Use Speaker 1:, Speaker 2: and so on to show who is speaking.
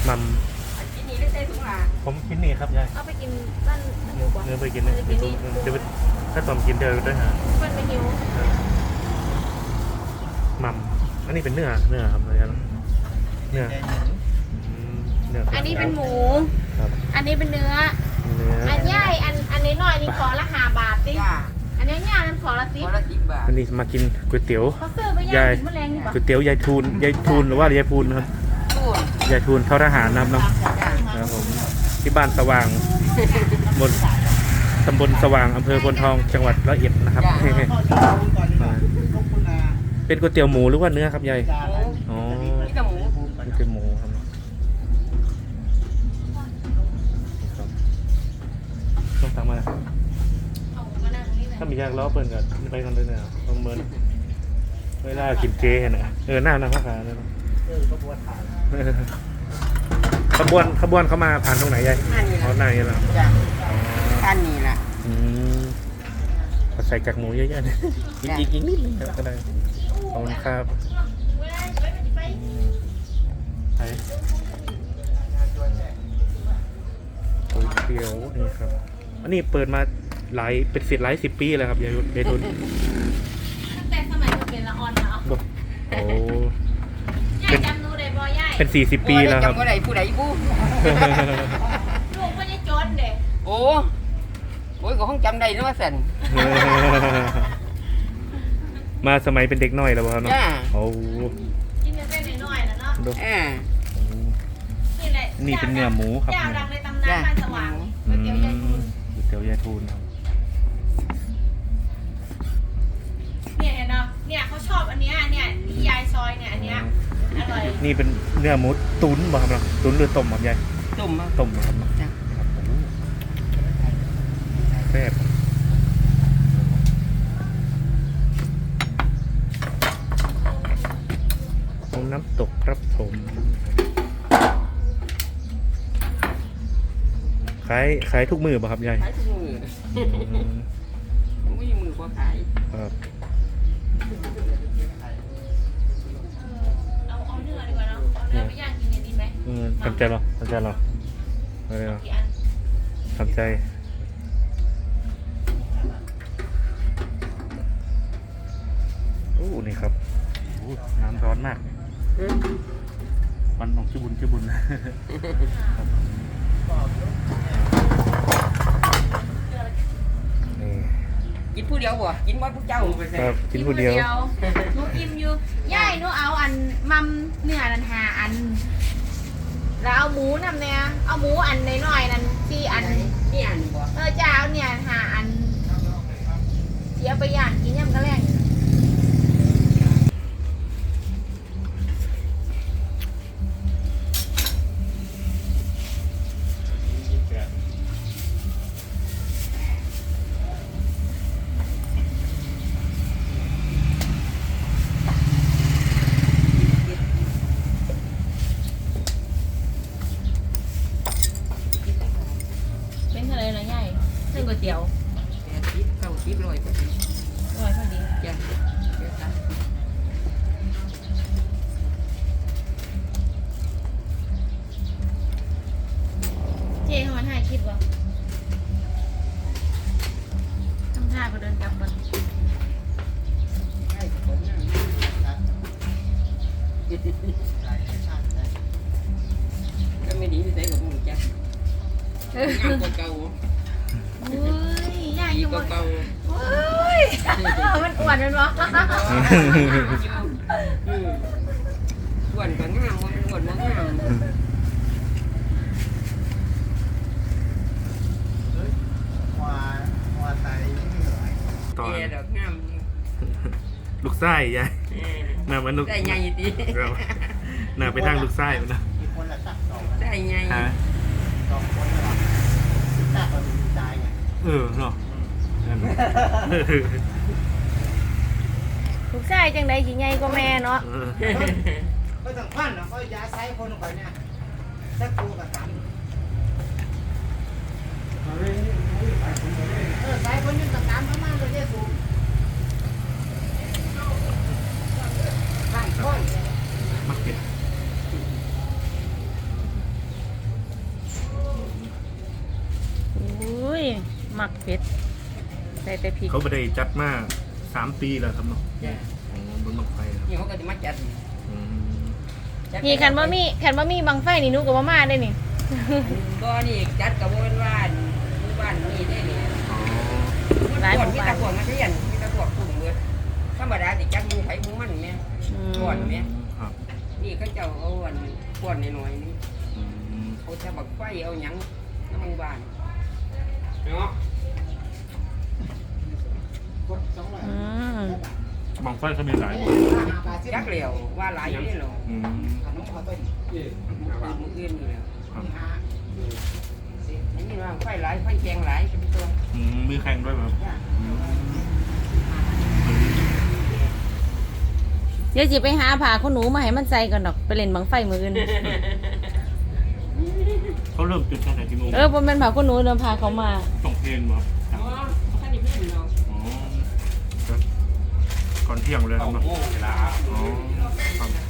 Speaker 1: มัม
Speaker 2: กินนี่ได้ใส่ถุงละ
Speaker 1: ผมกินนี่ครับยาย
Speaker 3: เอาไปกินบ้านหิวกว่า
Speaker 1: เนื้อไปกินเนี่ยเดี๋ยวถ้าตอมกินเดี๋ยวด้วยฮะ
Speaker 3: บ้านไม่หิว
Speaker 1: มัมอันนี้เป็นเนื้อครับอะไรกันเนื้อ
Speaker 3: อันนี้เป็นหมู
Speaker 1: ครับ
Speaker 3: อันนี้เป็นเนื้ออันใหญ่อันนี้หน่อยนี่ขอละ5 บาทสิอันนี้ย่างนั้นขอละ10 บาท
Speaker 1: อันนี้มากินก๋วยเตี๋ยว
Speaker 3: เขาซื้อไปย่างกินแมลงนี่ป่ะ
Speaker 1: ก๋วยเตี๋ยวยายทูนหรือว่ายายพูนครับยายทูนเท่าทหารนะครับเนาะครับผมที่บ้านสว่างบนตำบลสว่างอำเภอพนทองจังหวัดร้อยเอ็ดนะครับเป็นก๋วยเตี๋ยวหมูหรือว่าเนื้อครับยายอ๋อ
Speaker 2: นี่กับหมู
Speaker 1: นี่เป็นหมูครับต้องสั่งมาถ้ามียากล้อเปิดกันไปกันเลยเนี่ยประเมินเวลากินเจเนี่ยหน้าข้าวขาเลยขบวนเขามาผ่านตรงไหนยายหน้านี่แหละ
Speaker 2: ท่านนี่แหละ
Speaker 1: ใส่กากหมูเยอะๆเลยอีกนิดนึงก็ได้ขอบคุณครับก๋วยเตี๋ยวนี่ครับอันนี้เปิดมาเป็นหลาย10 ปีแล้วครับยายทุน
Speaker 3: ตั้งแต่สมัยเป็นละออนแล้ว
Speaker 1: โอ้
Speaker 3: ยายจำนูได้บ่ยาย
Speaker 1: เป็น40 ปีแล้วครับ
Speaker 2: จำอะไรผู้ใดผู้
Speaker 3: ลูกไม่ได้จนเด็ก
Speaker 2: โอ้ยก็ห้องจำได้นะว่าสัน
Speaker 1: มาสมัยเป็นเด็กน้อยแล้วครับเนาะโอ้
Speaker 3: กินกันได้น้อยแล้วเนาะ
Speaker 1: นี่เป็นเนื้อหมูครับ
Speaker 3: เจ้าดังในตำนานบ้านสว่างก๋วยเตี๋ยวยายทูน
Speaker 1: ก๋วยเตี๋ยวยายทูนครับ
Speaker 3: เนี่ยเห็นเนาะเนี่ยเขาชอบอันเนี้ยเนี่ยที่ยายซอยเนี่ยอันเนี้ยอร่อย
Speaker 1: นี่เป็นเนื้อหมูตุ๋นบ่ครับเนาะตุ๋นหรือต้มครับยาย
Speaker 2: ต้ม
Speaker 1: ครับแซ่บน้ำตกครับผมขายทุกมือป่ะครับยาย
Speaker 2: ขายทุกมือไม่มีมือพอขาย
Speaker 1: ครับ
Speaker 3: เอาเนื้อดีกว่าเนาะเอาเนื้อไปย่างกินเนี่ยดีไหม
Speaker 1: ทำใจเหรออะไรเหรอทำใจโอ้นี่ครับน้ำร้อนมากมันของชื่อบุญ
Speaker 2: กินผู้เดียวบ่กินว่าพวกเจ้า
Speaker 1: ครับกินผู้เดียว
Speaker 3: หนูอิ่มอยู่ย่ายหนูเอาอันมัมเนื้อนัน5 อันแล้วเอาหมูนำเนี่ยเอาหมูอันน้อยๆนั่น4 อัน
Speaker 2: นี่อันบ่
Speaker 3: จะเอาเนี่ย5 อันเสียไปย่างกินยำกระแลงก๋วยเตี๋ยว
Speaker 2: 80 90 100พอดีจ้ะ
Speaker 3: เจ๊เขามาถ่ายคลิปวะต้องถ่ายก็เดินกลับมัน
Speaker 2: ก็ไม่ดีที่ใส่กับมึงจ้ะงามกว่าเก่า
Speaker 3: ย่างอยู่บน
Speaker 2: เก่า
Speaker 3: มันอ้วนมันวะ
Speaker 2: อ้วนก็งามมันอ้วนมันงาม
Speaker 1: ตอน
Speaker 2: ดอกงาม
Speaker 1: ลูกไส้ยายน่ามันลูก
Speaker 2: ไส้ใหญ่ดี
Speaker 1: น่าไปทางลูกไส้มันนะ
Speaker 2: ไส้ใหญ่
Speaker 1: เนาะ
Speaker 3: ลูกชายจังไดสิใหญ่กว่าแม่เนาะ
Speaker 2: ก็ต้องพันเนาะก็ยาไซคนลงไปเนี่ยสักตัวกับตันไซคนยืนตักน้ำมากเลยเนี่ยสูง
Speaker 1: มักเก็ต
Speaker 3: มักเผ็ดใส่แต่พริก
Speaker 1: เขาไม่ได้จัดมา3 ปีแล้วครับเนาะอ๋อบนบังไฟครับ
Speaker 4: นี่เขาก็จะมาจัด
Speaker 1: อืม
Speaker 3: นี่คันบ่มีบังไฟนี่หนูก็บ่มาได้นี่
Speaker 4: บ่นี่จัดกับว่าหมู่บ้านนี่ได้นี่
Speaker 1: อ๋อ
Speaker 3: หลายหมู่
Speaker 4: มี
Speaker 3: บ้าน
Speaker 4: ตะพวกมาเรียนมีตะพวกกลุ่มเบิดธรรมดาสิจัดหมู่ไผหมู่มันแม่ ก่อนไหม
Speaker 1: ครับ
Speaker 4: นี่เขาเจ้าเอาอันก้อนน้อยๆนี่
Speaker 1: อืม
Speaker 4: เขาจะบักไฟเอาหยังน้ำหมู่บ้านเนาะ
Speaker 3: อืม
Speaker 1: บังไฟเขามีหลาย
Speaker 4: จักเหลียวว่าหลายอยู่นี่เหรอ
Speaker 1: อืม
Speaker 4: มืออื่นอยู่แล้ว
Speaker 1: ครับ
Speaker 4: อันนี้ว่าไฟหลายไฟแกงหลายเป็นตัว
Speaker 1: อืมมีแข่งด้วยไหมครับอืม
Speaker 3: เดี๋ยวสิไปหาผ้าขนหนูมาให้มันใส่ก่อนดอกไปเล่นบังไฟมื้ออื่น
Speaker 1: เขาเริ่มจุดตั้งแต่กี่โมง
Speaker 3: บ่แม่นผ้าขนหนูเดินพาเขามา
Speaker 1: ต้องเพลนบ่ครับ
Speaker 4: อ๋อท่านนี่เพื่อนเนาะ
Speaker 1: อ๋อครับก่อนเที่ยงเลยครับเนาะ
Speaker 4: เวลา
Speaker 1: อ๋อครับ